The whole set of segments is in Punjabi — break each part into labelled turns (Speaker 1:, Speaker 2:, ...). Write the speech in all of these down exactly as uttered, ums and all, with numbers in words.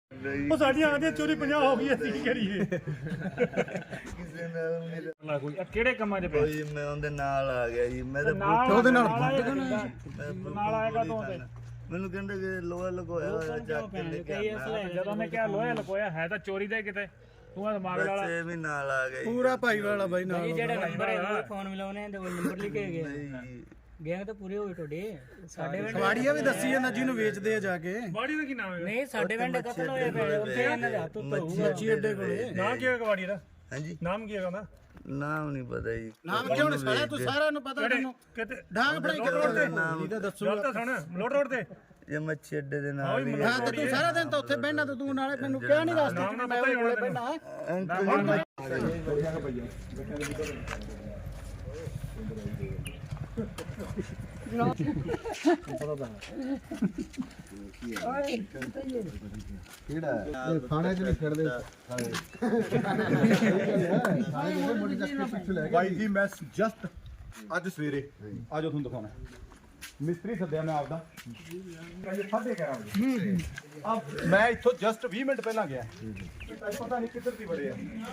Speaker 1: ਉਹ ਸਾਡੀਆਂ ਆਂਦੀਆਂ ਚੋਰੀ ਪੰਜਾਹ ਹੋ ਗਈ ਅਸੀਂ ਕੀ ਕਰੀਏ।
Speaker 2: ਕਿਸੇ ਨਾਲ
Speaker 1: ਕੋਈ ਕਿਹੜੇ ਕੰਮਾਂ 'ਚ
Speaker 2: ਕੋਈ ਮੈਂ ਉਹਦੇ ਨਾਲ ਆ ਗਿਆ ਜੀ। ਮੈਂ ਤਾਂ
Speaker 1: ਉਹਦੇ ਨਾਲ
Speaker 2: ਨਾਲ ਆਏਗਾ ਤੋਂ ਮੈਨੂੰ ਕਹਿੰਦੇ ਕਿ ਲੋਹਾ ਲਗਾਇਆ ਹੋਇਆ ਚੱਕ ਕੇ ਲੈ ਕੇ ਆਉਣਾ।
Speaker 1: ਜਦੋਂ ਨੇ ਕਿਹਾ ਲੋਹਾ ਲਗਾਇਆ ਹੈ ਤਾਂ ਚੋਰੀ ਦਾ ਕਿਤੇ ਤੂੰ ਆ ਦਿਮਾਗ ਵਾਲਾ
Speaker 2: ਬੱਚੇ ਵੀ ਨਾਲ ਆ ਗਏ
Speaker 3: ਪੂਰਾ ਭਾਈ ਵਾਲਾ ਬਾਈ ਨਾਲ
Speaker 4: ਜਿਹੜਾ ਨੰਬਰ ਹੈ ਉਹ ਫੋਨ ਮਿਲਾਉਣੇ ਤੇ ਉਹ ਨੰਬਰ ਲਿਖੇ ਗਏ
Speaker 2: ਨਹੀਂ
Speaker 4: ਗੈਂਗ ਤਾਂ ਪੂਰੇ ਹੋਏ ਤੁਹਾਡੇ ਸਾਡੇ ਪਿੰਡ
Speaker 3: ਵਾੜੀਆ ਵੀ ਦੱਸੀ ਜਾਂਦਾ ਜਿਹਨੂੰ ਵੇਚਦੇ ਆ ਜਾ ਕੇ
Speaker 1: ਬਾੜੀ ਦਾ ਕੀ ਨਾਮ ਹੈ?
Speaker 4: ਨਹੀਂ ਸਾਡੇ ਪਿੰਡ ਕਤਲ ਹੋਏ ਪਏ ਉੱਥੇ ਇਹਨਾਂ ਦੇ ਹੱਥ ਉੱਤੇ ਹੋਊਗਾ
Speaker 3: ਮੱਛੀ ਅੱਡੇ ਕੋਲੇ
Speaker 1: ਨਾਮ ਕੀ ਹੈ ਕਵਾੜੀ ਦਾ?
Speaker 2: ਹਾਂਜੀ
Speaker 1: ਨਾਮ ਕੀ ਹੈਗਾ ਉਹਦਾ?
Speaker 2: ਨਾਮ ਨਹੀਂ ਪਤਾ ਜੀ।
Speaker 3: ਨਾਮ ਕਿਉਂ ਨਹੀਂ ਸਾਰਾ ਤੂੰ ਸਾਰਿਆਂ ਨੂੰ ਪਤਾ ਤੈਨੂੰ
Speaker 1: ਕਿਤੇ
Speaker 3: ਡਾਂਗ ਫੜਾਈ ਕੇ
Speaker 2: ਨਾਮ
Speaker 3: ਤਾਂ ਦੱਸੂ
Speaker 1: ਗੱਲ ਤਾਂ ਸੁਣ ਮਲੋਟ ਰੋਡ ਤੇ
Speaker 2: ਇਹ ਮੱਛੀ ਅੱਡੇ ਦੇ ਨਾਲ ਹੀ
Speaker 3: ਹਾਂ ਤੇ ਤੂੰ ਸਾਰਾ ਦਿਨ ਤਾਂ ਉੱਥੇ ਬਹਿਣਾ ਤੇ ਤੂੰ ਨਾਲੇ ਮੈਨੂੰ ਕਿਹਾ ਨਹੀਂ ਰਸਤੇ
Speaker 1: ਨਾਮ
Speaker 3: ਚ
Speaker 1: ਨਾ
Speaker 3: ਮੈਂ
Speaker 1: ਪਤਾ ਹੀ
Speaker 3: ਕੋਲੇ
Speaker 1: ਹੋਣਾ
Speaker 3: ਬਹਿਣਾ
Speaker 5: ਥਾਣੇ ਚ ਨਹੀਂ ਖੜਦੇ ਭਾਈ ਜੀ ਮੈਂ ਜਸਟ ਅੱਜ ਸਵੇਰੇ ਆਜੋ ਤੁਹਾਨੂੰ ਦਿਖਾਉਣਾ ਮਿਸਤਰੀ ਸੱਦਿਆ ਮੈਂ ਆਪਦਾ ਸਾਢੇ ਗਿਆਰਾਂ ਵਜੇ ਆ ਮੈਂ ਇੱਥੋਂ ਜਸਟ ਵੀਹ ਮਿੰਟ ਪਹਿਲਾਂ ਗਿਆ ਪਤਾ ਨਹੀਂ ਕਿੱਧਰ ਦੀ ਵੜੇ ਆ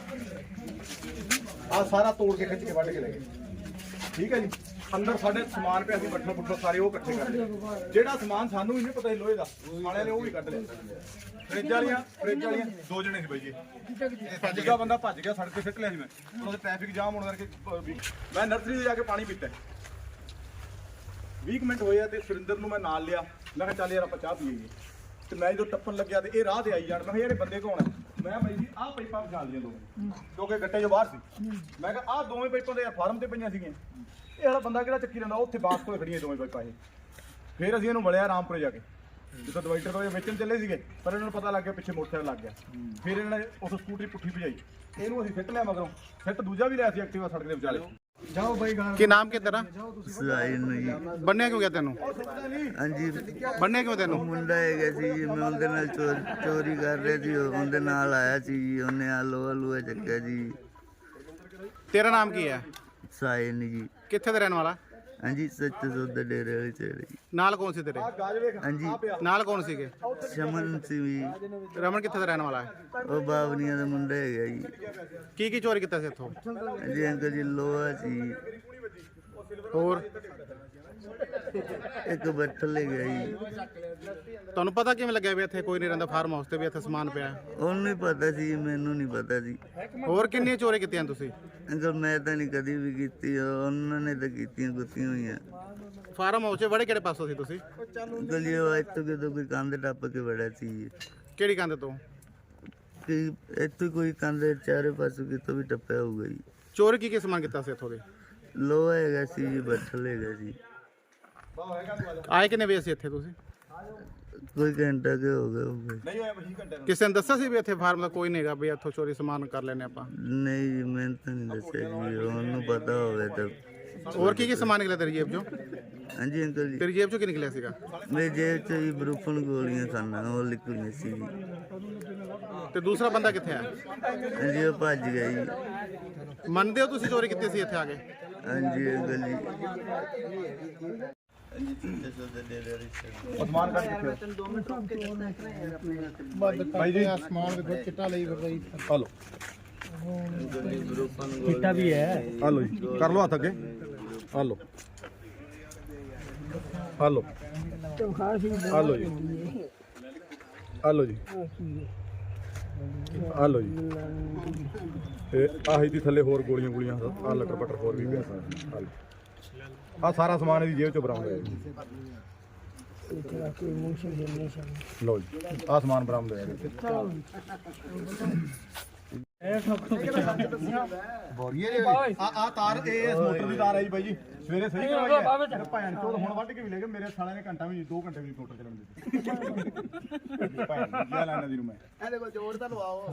Speaker 5: ਆ ਸਾਰਾ ਤੋੜ ਕੇ ਖਿੱਚ ਕੇ ਵੱਢ ਕੇ ਲੈ ਗਏ ਠੀਕ ਹੈ ਜੀ ਅੰਦਰ ਸਾਡੇ ਸਮਾਨ ਪਿਆ ਸੀ ਬੱਠਲ ਬੁੱਠਲ ਸਾਰੇ ਉਹ ਇਕੱਠੇ ਕਰ ਲਏ ਜਿਹੜਾ ਸਮਾਨ ਸਾਨੂੰ ਵੀ ਨਹੀਂ ਪਤਾ ਸੀ ਲੋਹੇ ਦਾ ਸਾਲਿਆਂ ਨੇ ਉਹ ਵੀ ਕੱਢ ਲਿਆ ਫ੍ਰਿਜ ਵਾਲੀਆਂ ਫ੍ਰਿਜ ਵਾਲੀਆਂ ਦੋ ਜਣੇ ਸੀ ਬਾਈ ਜੀ ਭੱਜ ਗਿਆ ਬੰਦਾ ਭੱਜ ਗਿਆ ਸੜਕ ਤੇ ਸਿੱਟ ਲਿਆ ਸੀ ਮੈਂ ਉਹਦੇ ਟ੍ਰੈਫਿਕ ਜਾਮ ਹੋਣ ਕਰਕੇ ਮੈਂ ਨਰਸਰੀ ਤੇ ਜਾ ਕੇ ਪਾਣੀ ਪੀਤਾ ਵੀਹ ਮਿੰਟ ਹੋਏ ਆ ਤੇ ਸੁਰਿੰਦਰ ਨੂੰ ਮੈਂ ਨਾਲ ਲਿਆ ਮੈਂ ਕਿਹਾ ਚੱਲ ਯਾਰ ਆਪਾਂ ਚਾਹ ਪੀਈਏ ਤੇ ਮੈਂ ਜਦੋਂ ਟੱਪਣ ਲੱਗਿਆ ਤੇ ਇਹ ਰਾਹ ਤੇ ਆਈ ਜਾਣ ਮੈਂ ਕਿਹਾ ਯਾਰ ਇਹ ਬੰਦੇ ਕੌਣ ਆ ਮੈਂ ਬਾਈ ਜੀ ਆਹ ਪਾਈਪਾਂ ਪਛਾਣ ਲਈਆਂ ਦੋਵੇਂ ਕਿਉਂਕਿ ਗੱਟੇ ਜੋ ਬਾਹਰ ਸੀ ਮੈਂ ਕਿਹਾ ਆਹ ਦੋਵੇਂ ਪਾਈਪਾਂ ਦੇ ਯਾਰ ਫਾਰਮ ਤੇ ਪਈਆਂ ਸੀਗੀਆਂ ਇਹ ਵਾਲਾ ਬੰਦਾ ਕਿਹੜਾ ਚੱਕੀ ਰਹਿੰਦਾ ਉੱਥੇ ਬਾਸ ਕੋਲ ਖੜੀਆਂ ਦੋਵੇਂ ਪਾਈਪਾਂ ਇਹ ਫਿਰ ਅਸੀਂ ਇਹਨੂੰ ਵਲਿਆ ਰਾਮਪੁਰੇ ਜਾ ਕੇ ਜਦੋਂ ਡਿਵਾਈਡਰ ਤੋਂ ਵੇਚਣ ਚੱਲੇ ਸੀਗੇ ਪਰ ਇਹਨਾਂ ਨੂੰ ਪਤਾ ਲੱਗ ਗਿਆ ਪਿੱਛੇ ਮੋਟਰਸਾਈਕਲ ਲੱਗ ਗਿਆ ਫਿਰ ਇਹਨਾਂ ਨੇ ਉਸ ਸਕੂਟਰੀ ਪੁੱਠੀ ਭਜਾਈ ਇਹਨੂੰ ਅਸੀਂ ਸਿੱਟ ਲਿਆ ਮਗਰੋਂ ਸਿੱਟ ਦੂਜਾ ਵੀ ਲਿਆ ਸੀ ਐਕਟਿਵਾ ਸੜਕ ਦੇ ਵਿਚਾਲੇ
Speaker 3: ਜਾਓ ਬਾਈ ਗਾਂ
Speaker 5: ਕੀ ਨਾਮ ਕੀ ਤੇਰਾ
Speaker 2: ਸਾਈ ਨੂੰ ਜੀ।
Speaker 5: ਬੰਨਿਆ ਕਿਉਂ ਗਿਆ ਤੈਨੂੰ
Speaker 2: ਹਾਂਜੀ
Speaker 5: ਬੰਨਿਆ ਕਿਉਂ ਤੈਨੂੰ
Speaker 2: ਮੁੰਡਾ ਹੈਗਾ ਸੀ ਜੀ ਮੈਂ ਉਹਦੇ ਨਾਲ ਚੋਰ- ਚੋਰੀ ਕਰ ਰਿਹਾ ਸੀ ਉਹਦੇ ਨਾਲ ਆਇਆ ਸੀ ਜੀ ਉਹਨੇ ਆ ਲੋਹਾ ਲੂਹਾ ਚੱਕਿਆ ਜੀ।
Speaker 5: ਤੇਰਾ ਨਾਮ ਕੀ ਹੈ
Speaker 2: ਸਾਈ ਨੂੰ ਜੀ।
Speaker 5: ਕਿੱਥੇ ਦਾ ਰਹਿਣ ਵਾਲਾ
Speaker 2: ਹਾਂਜੀ ਸੱਚ ਸੁੱਧ ਡੇਰੇ ਵਾਲੀ ਚੇੜੇ ਜੀ।
Speaker 5: ਨਾਲ ਕੌਣ ਸੀ ਤੇਰੇ
Speaker 2: ਹਾਂਜੀ
Speaker 5: ਨਾਲ ਕੌਣ ਸੀਗੇ
Speaker 2: ਸ਼ਮਨ ਸੀ ਵੀ
Speaker 5: ਰਮਨ ਕਿੱਥੇ ਦਾ ਰਹਿਣ ਵਾਲਾ ਹੈ
Speaker 2: ਉਹ ਬਾਵਨੀਆਂ ਦਾ ਮੁੰਡਾ ਹੈਗਾ ਜੀ।
Speaker 5: ਕੀ ਕੀ ਚੋਰੀ ਕੀਤਾ ਸੀ ਇੱਥੋਂ
Speaker 2: ਜੀ ਅੰਕਲ ਜੀ ਲੋਹਾ ਸੀ
Speaker 5: ਹੋਰ
Speaker 2: ਇੱਕ ਬੱਠਲ ਲੈ ਗਿਆ ਜੀ।
Speaker 5: ਤੁਹਾਨੂੰ ਪਤਾ ਕਿਵੇਂ ਲੱਗਿਆ ਵੀ ਇੱਥੇ ਕੋਈ ਨਹੀਂ ਰਹਿੰਦਾ ਫਾਰਮ ਹਾਊਸ ਤੇ ਵੀ ਇੱਥੇ ਸਮਾਨ ਪਿਆ ਹੈ?
Speaker 2: ਉਹਨੂੰ ਹੀ ਪਤਾ ਸੀ ਮੈਨੂੰ ਨਹੀਂ ਪਤਾ ਸੀ।
Speaker 5: ਹੋਰ ਕਿੰਨੀਆਂ ਚੋਰੀ ਕੀਤੀਆਂ ਤੁਸੀਂ
Speaker 2: ਅੰਕਲ ਮੈਂ ਤਾਂ ਨਹੀਂ ਕਦੀ ਵੀ ਕੀਤੀ ਉਹਨਾਂ ਨੇ ਤਾਂ ਕੀਤੀਆਂ ਕੁੱਤੀਆਂ ਹੋਈਆਂ।
Speaker 5: ਫਾਰਮ ਹਾਊਸ 'ਚ ਬੜੇ ਕਿਹੜੇ ਪਾਸੋਂ ਸੀ ਤੁਸੀਂ
Speaker 2: ਅੰਕਲ ਜੀ ਉਹ ਇੱਥੋਂ ਕਿਤੋਂ ਕੋਈ ਕੰਧ ਟੱਪ ਕੇ ਵੜਿਆ ਸੀ ਜੀ।
Speaker 5: ਕਿਹੜੀ ਕੰਧ ਤੋਂ
Speaker 2: ਕਿ ਇੱਥੋਂ ਕੋਈ ਕੰਧ ਚਾਰੇ ਪਾਸੋਂ ਕਿਤੋਂ ਵੀ ਟੱਪਿਆ ਹੋਊਗਾ ਜੀ।
Speaker 5: ਚੋਰੀ ਕੀ ਕੀ ਸਮਾਨ ਕੀਤਾ ਸੀ ਇੱਥੋਂ ਦੇ
Speaker 2: ਲੋਹਾ ਹੈਗਾ ਸੀ ਜੀ ਬੱਠਲ ਹੈਗਾ ਜੀ।
Speaker 5: ਆਏ ਕਿੰਨੇ ਵਜੇ ਸੀ ਇੱਥੇ ਤੁਸੀਂ
Speaker 2: ਕੋਈ ਘੰਟਾ ਕੇ ਹੋ ਗਿਆ ਹੋਊਗਾ।
Speaker 5: ਨਹੀਂ ਹੋਇਆ ਵੀਹ ਘੰਟੇ ਕਿਸੇ ਨੇ ਦੱਸਿਆ ਸੀ ਵੀ ਇੱਥੇ ਫਾਰਮ ਦਾ ਕੋਈ ਨਹੀਂ ਹੈਗਾ ਵੀ ਇੱਥੋਂ ਚੋਰੀ ਸਮਾਨ ਕਰ ਲੈਨੇ ਆਪਾਂ
Speaker 2: ਨਹੀਂ ਜੀ ਮੈਨੂੰ ਤਾਂ ਨਹੀਂ ਦੱਸਿਆ ਜੀ ਉਹਨੂੰ ਪਤਾ ਹੋਵੇ ਤਾਂ।
Speaker 5: ਹੋਰ ਕੀ ਕੀ ਸਮਾਨ ਨਿਕਲਿਆ ਤੇਰੀ ਜੇਬ 'ਚੋਂ
Speaker 2: ਹਾਂਜੀ ਅੰਕਲ ਜੀ
Speaker 5: ਤੇਰੀ ਜੇਬ 'ਚੋਂ ਕੀ ਨਿਕਲਿਆ ਸੀਗਾ
Speaker 2: ਮੇਰੀ ਜੇਬ 'ਚ ਜੀ ਬਰੂਫਨ ਗੋਲੀਆਂ ਖਾਨਾ ਉਹ ਲਿਖੀਆਂ ਸੀ ਜੀ।
Speaker 5: ਤੇ ਦੂਸਰਾ ਬੰਦਾ ਕਿੱਥੇ ਆ
Speaker 2: ਹਾਂਜੀ ਉਹ ਭੱਜ ਗਿਆ ਜੀ।
Speaker 5: ਮੰਨਦੇ ਹੋ ਤੁਸੀਂ ਚੋਰੀ ਕੀਤੀ ਸੀ ਇੱਥੇ ਆ ਕੇ
Speaker 2: ਹਾਂਜੀ ਅੰਕਲ ਜੀ।
Speaker 5: ਸਮਾਨ ਕੱਢ ਕੇ
Speaker 3: ਭਾਈ ਜੀ ਆਸਮਾਨ ਦੇ ਚਿੱਟਾ ਲਈ ਫਿਰ ਬਾਈ
Speaker 5: ਹਲੋ
Speaker 4: ਚਿੱਟਾ ਵੀ ਹੈ
Speaker 5: ਹਲੋ ਜੀ ਕਰ ਲਓ ਹੱਥ ਅੱਗੇ ਹਲੋ ਹਲੋ ਹਲੋ ਜੀ ਹਲੋ ਜੀ ਹਲੋ ਜੀ ਇਹ ਆਹੀ ਦੀ ਥੱਲੇ ਹੋਰ ਗੋਲੀਆਂ ਗੋਲੀਆਂ ਆ ਲਟਰ ਪਟਰ ਹੋਰ ਵੀ ਪਿਆ ਸਾਰਾ ਆ ਸਾਰਾ ਸਮਾਨ ਇਹਦੀ ਜੇਬ ਚੋਂ ਬਰਾਮਦ ਹੋਇਆ ਜੀ ਲਓ ਜੀ ਆ ਸਮਾਨ ਬਰਾਮਦ ਹੋਇਆ ਆ ਆ ਤਾਰ ਇਹ ਇਸ ਮੋਟਰ ਦੀ ਤਾਰ ਹੈ ਜੀ ਬਾਈ ਜੀ ਸਵੇਰੇ ਸਹੀ ਕਰਵਾਈ ਹੈ ਭੈਣ ਚੋਦ ਹੁਣ ਵੱਢ ਕੇ ਵੀ ਲੈ ਗਏ ਮੇਰੇ ਸਾਲਿਆਂ ਨੇ ਘੰਟਾ ਵੀ ਦੋ ਘੰਟੇ ਵੀ ਮੋਟਰ ਚੱਲਣ ਦਿੱਤੀ ਭੈਣ ਕੀ ਲੈਣਾ ਦੀ ਨੂੰ ਮੈਂ
Speaker 3: ਇਹਦੇ ਕੋਲ ਜੋੜ ਤਾਂ ਲਵਾਓ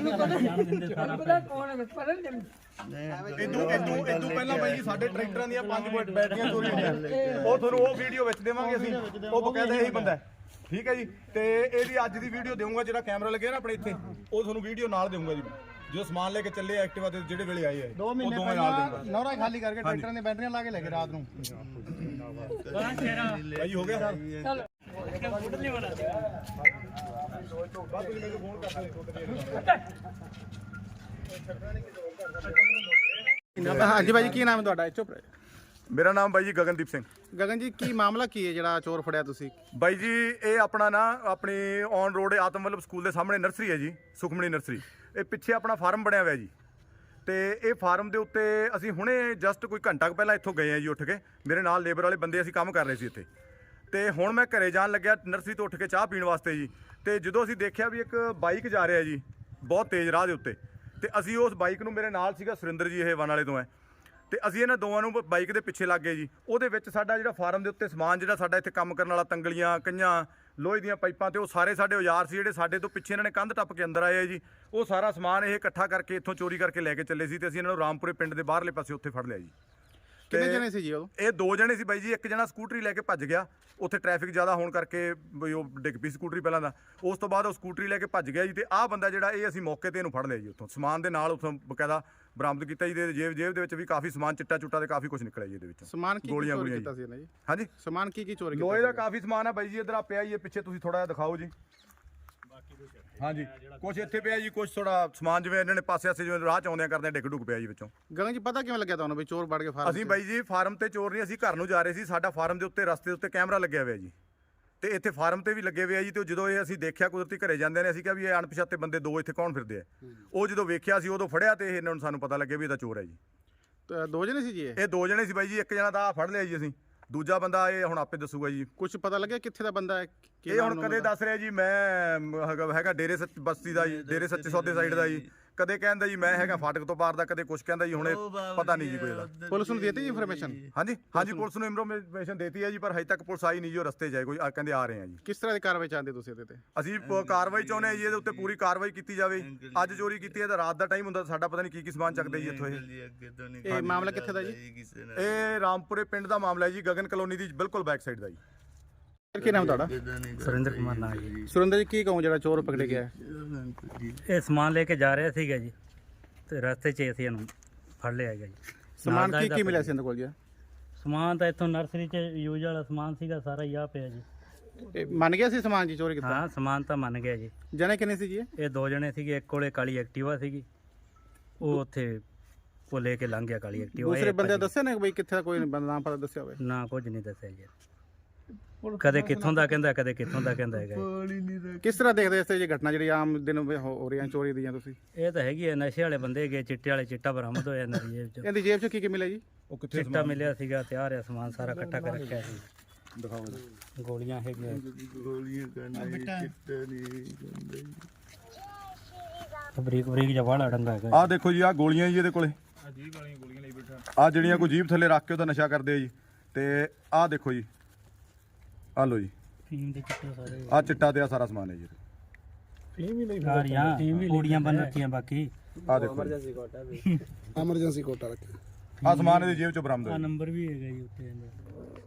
Speaker 5: ਇਦੋਂ ਇਦੋਂ ਇਦੋਂ ਪਹਿਲਾਂ ਬਾਈ ਜੀ ਸਾਡੇ ਟਰੈਕਟਰਾਂ ਦੀਆਂ ਪੰਜ ਬੈਟਰੀਆਂ ਚੋਰੀ ਹੋਈਆਂ ਉਹ ਤੁਹਾਨੂੰ ਉਹ ਵੀਡੀਓ ਵਿੱਚ ਦੇਵਾਂਗੇ ਅਸੀਂ ਉਹ ਬਕਾਇਦਾ ਇਹੀ ਬੰਦਾ ਠੀਕ ਹੈ ਜੀ ਤੇ ਇਹਦੀ ਅੱਜ ਦੀ ਵੀਡੀਓ ਦੇਵਾਂਗਾ ਜਿਹੜਾ ਕੈਮਰਾ ਲੱਗਿਆ ਨਾ ਆਪਣੇ ਇੱਥੇ ਉਹ ਤੁਹਾਨੂੰ ਵੀਡੀਓ ਨਾਲ ਦੇਵਾਂਗਾ ਜੀ ਜੋ ਸਮਾਨ ਲੈ ਕੇ ਚੱਲੇ ਐਕਟਿਵਾ ਤੇ ਜਿਹੜੇ ਵੇਲੇ ਆਏ ਆ
Speaker 3: ਦੋ ਮਹੀਨੇ ਪਹਿਲਾਂ ਨੌਰਾ ਖਾਲੀ ਕਰਕੇ ਟਰੈਕਟਰਾਂ ਦੀਆਂ ਬੈਟਰੀਆਂ ਲਾ ਕੇ ਲੈ ਗਏ ਰਾਤ ਨੂੰ
Speaker 5: ਭਾਈ ਹੋ ਗਿਆ ਰੋਜ਼ ਤੋਂ ਬਾਅਦ ਤੁਸੀਂ ਮੈਨੂੰ ਫੋਨ ਕਰਦੇ
Speaker 3: ਹਾਂਜੀ ਭਾਜੀ ਕੀ ਨਾਮ ਹੈ ਤੁਹਾਡਾ? ਚੁੱਪ ਰਹੇ।
Speaker 5: ਮੇਰਾ ਨਾਮ ਬਾਈ ਜੀ ਗਗਨਦੀਪ ਸਿੰਘ।
Speaker 3: ਗਗਨ ਜੀ ਕੀ ਮਾਮਲਾ ਕੀ ਹੈ ਜਿਹੜਾ ਚੋਰ ਫੜਿਆ ਤੁਸੀਂ?
Speaker 5: ਬਾਈ ਜੀ ਇਹ ਆਪਣਾ ਨਾ ਆਪਣੀ ਔਨ ਰੋਡ ਆਤਮ ਵੱਲਭ ਸਕੂਲ ਦੇ ਸਾਹਮਣੇ ਨਰਸਰੀ ਹੈ ਜੀ, ਸੁਖਮਣੀ ਨਰਸਰੀ। ਇਹ ਪਿੱਛੇ ਆਪਣਾ ਫਾਰਮ ਬਣਿਆ ਹੋਇਆ ਜੀ, ਤੇ ਇਹ ਫਾਰਮ ਦੇ ਉੱਤੇ ਅਸੀਂ ਹੁਣੇ ਜਸਟ ਕੋਈ ਘੰਟਾ ਕੁ ਪਹਿਲਾਂ ਇੱਥੋਂ ਗਏ ਆ ਜੀ ਉੱਠ ਕੇ। ਮੇਰੇ ਨਾਲ ਲੇਬਰ ਵਾਲੇ ਬੰਦੇ ਅਸੀਂ ਕੰਮ ਕਰ ਰਹੇ ਸੀ ਇੱਥੇ, ਤੇ ਹੁਣ ਮੈਂ ਘਰੇ ਜਾਣ ਲੱਗਿਆ ਨਰਸਰੀ ਤੋਂ ਉੱਠ ਕੇ ਚਾਹ ਪੀਣ ਵਾਸਤੇ ਜੀ। ਤੇ ਜਦੋਂ ਅਸੀਂ ਦੇਖਿਆ ਵੀ ਇੱਕ ਬਾਈਕ ਜਾ ਰਿਹਾ ਜੀ ਬਹੁਤ ਤੇਜ਼ ਰਾਹ ਦੇ ਉੱਤੇ, ਤੇ ਅਸੀਂ ਉਸ ਬਾਈਕ ਨੂੰ, ਮੇਰੇ ਨਾਲ ਸੀਗਾ ਸੁਰਿੰਦਰ ਜੀ, ਇਹ ਵਨ ਵਾਲੇ ਤੋਂ ਹੈ, ਤੇ ਅਸੀਂ ਇਹਨਾਂ ਦੋਵਾਂ ਨੂੰ ਬਾਈਕ ਦੇ ਪਿੱਛੇ ਲੱਗ ਗਏ ਜੀ। ਉਹਦੇ ਵਿੱਚ ਸਾਡਾ ਜਿਹੜਾ ਫਾਰਮ ਦੇ ਉੱਤੇ ਸਮਾਨ ਜਿਹੜਾ ਸਾਡਾ ਇੱਥੇ ਕੰਮ ਕਰਨ ਵਾਲਾ, ਤੰਗਲੀਆਂ, ਕਈਆਂ, ਲੋਹੇ ਦੀਆਂ ਪਾਈਪਾਂ ਤੇ ਉਹ ਸਾਰੇ ਸਾਡੇ ਔਜ਼ਾਰ ਸੀ ਜਿਹੜੇ ਸਾਡੇ ਤੋਂ ਪਿੱਛੇ ਇਹਨਾਂ ਨੇ ਕੰਧ ਟੱਪ ਕੇ ਅੰਦਰ ਆਏ ਆ ਜੀ। ਉਹ ਸਾਰਾ ਸਮਾਨ ਇਹ ਇਕੱਠਾ ਕਰਕੇ ਇੱਥੋਂ ਚੋਰੀ ਕਰਕੇ ਲੈ ਕੇ ਚੱਲੇ ਸੀ, ਤੇ ਅਸੀਂ ਇਹਨਾਂ ਨੂੰ ਰਾਮਪੁਰੇ ਪਿੰਡ ਦੇ ਬਾਹਰਲੇ ਪਾਸੇ ਉੱਥੇ ਫੜ ਲਿਆ ਜੀ।
Speaker 3: ਕਿੰਨੇ ਜਣੇ ਸੀ ਜੀ ਉਹ?
Speaker 5: ਇਹ ਦੋ ਜਣੇ ਸੀ ਬਾਈ ਜੀ। ਇੱਕ ਜਣਾ ਸਕੂਟਰੀ ਲੈ ਕੇ ਭੱਜ ਗਿਆ, ਉੱਥੇ ਟ੍ਰੈਫਿਕ ਜ਼ਿਆਦਾ ਹੋਣ ਕਰਕੇ ਬਈ ਉਹ ਡਿੱਗ ਪਈ ਸਕੂਟਰੀ ਪਹਿਲਾਂ ਦਾ। ਉਸ ਤੋਂ ਬਾਅਦ ਉਹ ਸਕੂਟਰੀ ਲੈ ਕੇ ਭੱਜ ਗਿਆ ਜੀ। ਤੇ ਆਹ ਬੰਦਾ ਜਿਹੜਾ, ਇਹ ਅਸੀਂ ਮੌਕੇ ਤੇ ਇਹਨੂੰ ਫੜ ਲਿਆ ਜੀ, ਉੱਥੋਂ ਸਮਾਨ ਦੇ ਨਾਲ ਉੱਥੋਂ ਬਕਾਇਦਾ ਬਰਾਮਦ ਕੀਤਾ ਜੀ। ਤੇ ਜੇਬ ਜੇਬ ਦੇ ਵਿੱਚ ਵੀ ਕਾਫੀ ਸਮਾਨ, ਚਿੱਟਾ ਚੁੱਟਾ ਤੇ ਕਾਫੀ ਕੁਝ ਨਿਕਲਿਆ ਜੀ ਇਹਦੇ ਵਿੱਚੋਂ।
Speaker 3: ਸਮਾਨ ਕੀ
Speaker 5: ਗੋਲੀਆਂ
Speaker 3: ਚੋਰੀ
Speaker 5: ਗੋਲੀਆਂ
Speaker 3: ਕੀਤਾ ਸੀ ਇਹਨੇ ਜੀ?
Speaker 5: ਹਾਂਜੀ,
Speaker 3: ਸਮਾਨ ਕੀ ਕੀ ਚੋਰੀ ਕੀਤਾ?
Speaker 5: ਲੋਹੇ ਦਾ ਕਾਫੀ ਸਮਾਨ ਹੈ ਬਾਈ ਜੀ। ਇੱਧਰ ਆ ਪਿਆ ਜੀ, ਇਹ ਪਿੱਛੇ ਤੁਸੀਂ ਥੋੜਾ ਜਿਹਾ ਦਿਖਾਓ ਜੀ। ਹਾਂਜੀ, ਕੁਝ ਇੱਥੇ ਪਿਆ ਜੀ, ਕੁਝ ਥੋੜਾ ਸਮਾਨ ਜਿਵੇਂ ਇਹਨਾਂ ਨੇ ਪਾਸੇ ਆਸੇ ਜਿਵੇਂ ਰਾਹ ਚ ਆਉਂਦਿਆਂ ਕਰਦੇ ਡਿੱਗ ਡੁੱਗ ਪਿਆ ਜੀ ਵਿੱਚੋਂ।
Speaker 3: ਗਗਨ ਜੀ ਪਤਾ ਕਿਵੇਂ ਲੱਗਿਆ ਤੁਹਾਨੂੰ ਵੀ ਚੋਰ ਵੜ ਕੇ ਫਾਰਮ?
Speaker 5: ਅਸੀਂ ਬਾਈ ਜੀ ਫਾਰਮ ਤੇ ਚੋਰ ਨਹੀਂ, ਅਸੀਂ ਘਰ ਨੂੰ ਜਾ ਰਹੇ ਸੀ। ਸਾਡਾ ਫਾਰਮ ਦੇ ਉੱਤੇ ਰਸਤੇ ਦੇ ਉੱਤੇ ਕੈਮਰਾ ਲੱਗਿਆ ਹੋਇਆ ਜੀ, ਤੇ ਇੱਥੇ ਫਾਰਮ ਤੇ ਵੀ ਲੱਗੇ ਹੋਏ ਆ ਜੀ। ਤੇ ਜਦੋਂ ਇਹ ਅਸੀਂ ਦੇਖਿਆ ਕੁਦਰਤੀ ਘਰੇ ਜਾਂਦੇ ਨੇ, ਅਸੀਂ ਕਿਹਾ ਵੀ ਇਹ ਅਣਪਛਾਤੇ ਬੰਦੇ ਦੋ ਇੱਥੇ ਕੌਣ ਫਿਰਦੇ ਆ। ਉਹ ਜਦੋਂ ਵੇਖਿਆ ਸੀ ਉਦੋਂ ਫੜਿਆ, ਤੇ ਇਹਨਾਂ ਨੂੰ ਸਾਨੂੰ ਪਤਾ ਲੱਗਿਆ ਵੀ ਇਹਦਾ ਚੋਰ ਹੈ ਜੀ।
Speaker 3: ਤਾਂ ਦੋ ਜਣੇ ਸੀ ਜੀ ਇਹ?
Speaker 5: ਇਹ ਦੋ ਜਣੇ ਸੀ ਬਾਈ ਜੀ। ਇੱਕ ਜਣਾ ਤਾਂ ਆਹ ਫੜ ਲਿਆ ਜੀ ਅਸੀਂ, ਦੂਜਾ ਬੰਦਾ ਇਹ ਹੁਣ ਆਪੇ ਦੱਸੂਗਾ ਜੀ।
Speaker 3: ਕੁਝ ਪਤਾ ਲੱਗਿਆ ਕਿੱਥੇ ਦਾ ਬੰਦਾ ਹੈ? ਕੀ
Speaker 5: ਇਹ
Speaker 3: ਨਾਮ
Speaker 5: ਹੁਣ
Speaker 3: ਨੂੰ
Speaker 5: ਕਦੇ
Speaker 3: ਬੰਦਾ?
Speaker 5: ਦੱਸ ਰਿਹਾ ਜੀ ਮੈਂ ਹੈਗਾ ਹੈਗਾ ਡੇਰੇ ਸੱਚ ਬਸਤੀ ਦਾ ਜੀ, ਡੇਰੇ ਸੱਚੇ ਸੌਦੇ ਸਾਈਡ ਦਾ ਜੀ। ਕਦੇ ਕਹਿੰਦਾ ਜੀ ਮੈਂ ਹੈਗਾ ਫਾਟਕ ਤੋਂ ਪਾਰ ਦਾ, ਕਦੇ ਕੁਝ ਕਹਿੰਦਾ ਜੀ। ਹੁਣ ਇਹ ਪਤਾ ਨਹੀਂ ਜੀ ਕੋਈ ਦਾ।
Speaker 3: ਪੁਲਿਸ ਨੂੰ ਦੇਤੀ ਜੀ ਇਨਫੋਰਮੇਸ਼ਨ?
Speaker 5: ਹਾਂਜੀ ਹਾਂਜੀ, ਪੁਲਿਸ ਨੂੰ ਇਨਫੋਰਮੇਸ਼ਨ ਦੇਤੀ ਹੈ ਜੀ, ਪਰ ਹਜੇ ਤੱਕ ਪੁਲਿਸ ਆਈ ਨਹੀਂ ਜੀ। ਉਹ ਰਸਤੇ ਜਾਏ ਕੋਈ, ਆ ਕਹਿੰਦੇ ਆ ਰਹੇ ਆ ਜੀ।
Speaker 3: ਕਿਸ ਤਰ੍ਹਾਂ ਦੀ ਕਾਰਵਾਈ ਚਾਹੁੰਦੇ ਤੁਸੀਂ ਇਹਦੇ ਤੇ?
Speaker 5: ਅਸੀਂ ਪ- ਕਾਰਵਾਈ ਚਾਹੁੰਦੇ ਹਾਂ ਜੀ, ਇਹਦੇ ਉੱਤੇ ਪੂਰੀ ਕਾਰਵਾਈ ਕੀਤੀ ਜਾਵੇ। ਅੱਜ ਚੋਰੀ ਕੀਤੀ ਹੈ ਤਾਂ ਰਾਤ ਦਾ ਟਾਈਮ ਹੁੰਦਾ, ਸਾਡਾ ਪਤਾ ਨਹੀਂ ਕੀ ਕੀ ਸਮਾਨ ਚੱਕਦੇ ਜੀ ਇੱਥੋਂ ਇਹ।
Speaker 3: ਇਹ ਮਾਮਲਾ ਕਿੱਥੇ ਦਾ ਜੀ?
Speaker 5: ਇਹ ਰਾਮਪੁਰੇ ਪਿੰਡ ਦਾ ਮਾਮਲਾ ਹੈ ਜੀ, ਗਗਨ ਕਲੋਨੀ ਦੀ ਬਿਲਕੁਲ ਬੈਕ ਸਾਈਡ ਦਾ ਜੀ।
Speaker 3: ਕੀ ਨਾਮ ਤੁਹਾਡਾ?
Speaker 4: ਸੁਰਿੰਦਰ ਕੁਮਾਰ ਨਾਮ ਜੀ।
Speaker 3: ਸੁਰਿੰਦਰ ਜੀ ਕੀ ਕਹੂੰ ਜਿਹੜਾ ਚੋਰ ਪਕੜਿਆ ਗਿਆ ਹੈ?
Speaker 4: ਇਹ ਸਮਾਨ ਲੈ ਕੇ ਜਾ ਰਿਹਾ ਸੀਗਾ ਜੀ, ਤੇ ਰਸਤੇ 'ਚ ਅਸੀਂ ਇਹਨੂੰ ਫੜ ਲਿਆ ਗਿਆ ਜੀ।
Speaker 3: ਸਮਾਨ
Speaker 4: ਨਾਲ
Speaker 3: ਕੀ
Speaker 4: ਦਾ
Speaker 3: ਕੀ ਮਿਲਿਆ ਸੀ ਇਹਦੇ ਕੋਲ ਜੀ?
Speaker 4: ਸਮਾਨ ਤਾਂ ਇੱਥੋਂ ਨਰਸਰੀ 'ਚ ਯੂਜ਼ ਵਾਲਾ ਸਮਾਨ ਸੀਗਾ ਸਾਰਾ ਹੀ ਆ ਪਿਆ ਜੀ।
Speaker 3: ਇਹ ਮੰਨ ਗਿਆ ਸੀ ਸਮਾਨ ਜੀ ਚੋਰੀ ਕੀਤਾ?
Speaker 4: ਹਾਂ, ਸਮਾਨ ਤਾਂ ਮੰਨ ਗਿਆ ਜੀ।
Speaker 3: ਜਣੇ ਕਿੰਨੇ ਸੀ ਜੀ ਇਹ?
Speaker 4: ਇਹ ਦੋ ਜਣੇ ਸੀਗੇ, ਇੱਕ ਕੋਲੇ ਕਾਲੀ ਐਕਟਿਵਾ ਸੀਗੀ, ਉਹ ਉੱਥੇ ਉਹ ਲੈ ਕੇ ਲੰਘ ਗਿਆ ਕਾਲੀ ਐਕਟਿਵਾ।
Speaker 3: ਦੂਸਰੇ ਬੰਦੇ ਦੱਸਿਆ ਨਾ ਬਈ ਕਿੱਥੇ ਦਾ, ਕੋਈ ਬੰਦਾ ਨਾਮ ਪਤਾ ਦੱਸਿਆ ਹੋਵੇ?
Speaker 4: ਨਾ, ਕੁਝ ਨਹੀਂ ਦੱਸਿਆ ਜੀ। ਕਦੇ ਕਿੱਥੋਂ ਦਾ ਕਹਿੰਦਾ, ਕਦੇ ਕਿੱਥੋਂ ਦਾ ਕਹਿੰਦਾ ਹੈਗਾ।
Speaker 3: ਕਿਸ ਤਰ੍ਹਾਂ ਦੇਖਦੇ ਇਸ ਇਹ ਘਟਨਾ ਜਿਹੜੀ ਆਮ ਦਿਨ ਹੋ ਹੋ ਰਹੀਆਂ ਚੋਰੀ ਦੀਆਂ ਤੁਸੀਂ?
Speaker 4: ਇਹ ਤਾਂ ਹੈਗੀ ਹੈ, ਨਸ਼ੇ ਵਾਲੇ ਬੰਦੇ ਹੈਗੇ, ਚਿੱਟੇ ਵਾਲੇ। ਚਿੱਟਾ ਬਰਾਮਦ ਹੋਇਆ ਇਹਨਾਂ ਦੀ ਜੇਬ 'ਚ।
Speaker 3: ਇਹਦੀ ਜੇਬ 'ਚ ਕੀ ਕੀ ਮਿਲਿਆ ਜੀ?
Speaker 5: ਉਹ ਕਿੱਥੇ
Speaker 4: ਚਿੱਟਾ ਮਿਲਿਆ ਸੀਗਾ, ਤਿਆਰ ਹੈ ਸਮਾਨ ਸਾਰਾ ਇਕੱਠਾ ਕਰ ਰੱਖਿਆ ਸੀ।
Speaker 5: ਦਿਖਾਓ
Speaker 4: ਗੋਲੀਆਂ ਹੈਗੀਆਂ,
Speaker 2: ਗੋਲੀਆਂ ਕਰਨੇ ਚਿੱਟਾ ਨਹੀਂ ਗੰਦੇ।
Speaker 4: ਬਰੀਕ ਬਰੀਕ ਜਿਹਾ ਵਾਲਾ ਡੰਗਾ ਹੈਗਾ।
Speaker 5: ਆਹ ਦੇਖੋ ਜੀ, ਆਹ ਗੋਲੀਆਂ ਜੀ ਇਹਦੇ ਕੋਲੇ।
Speaker 1: ਆ ਜੀਭ ਵਾਲੀਆਂ ਗੋਲੀਆਂ ਲਈ ਬੈਠਾ।
Speaker 5: ਆਹ ਜਿਹੜੀਆਂ ਕੋਈ ਜੀਭ ਥੱਲੇ ਰੱਖ ਕੇ ਉਹਦਾ ਨਸ਼ਾ ਕਰਦੇ ਆ ਜੀ। ਤੇ ਆਹ ਦੇਖੋ ਜੀ, ਆਹ ਲੋ ਜੀ,
Speaker 4: ਫੀਮ ਦੇ ਚਿੱਟੇ ਸਾਰੇ
Speaker 5: ਆਹ ਚਿੱਟਾ ਤੇ ਆਹ ਸਾਰਾ ਸਮਾਨ ਹੈ ਜੀ।
Speaker 4: ਸਾਰੀਆਂ ਕੁੜੀਆਂ ਬਣ ਰੱਖੀਆਂ। ਬਾਕੀ
Speaker 5: ਆਹ ਦੇਖੋ
Speaker 3: ਐਮਰਜੈਂਸੀ ਕੋਟਾ ਰੱਖਿਆ।
Speaker 5: ਆਹ ਸਮਾਨ ਇਹਦੀ ਜੇਬ ਚੋਂ ਬਰਾਮਦ
Speaker 4: ਆ
Speaker 5: ਹੋਇਆ।
Speaker 4: ਨੰਬਰ ਵੀ ਹੈਗਾ ਜੀ ਉੱਤੇ ਇਹਦਾ।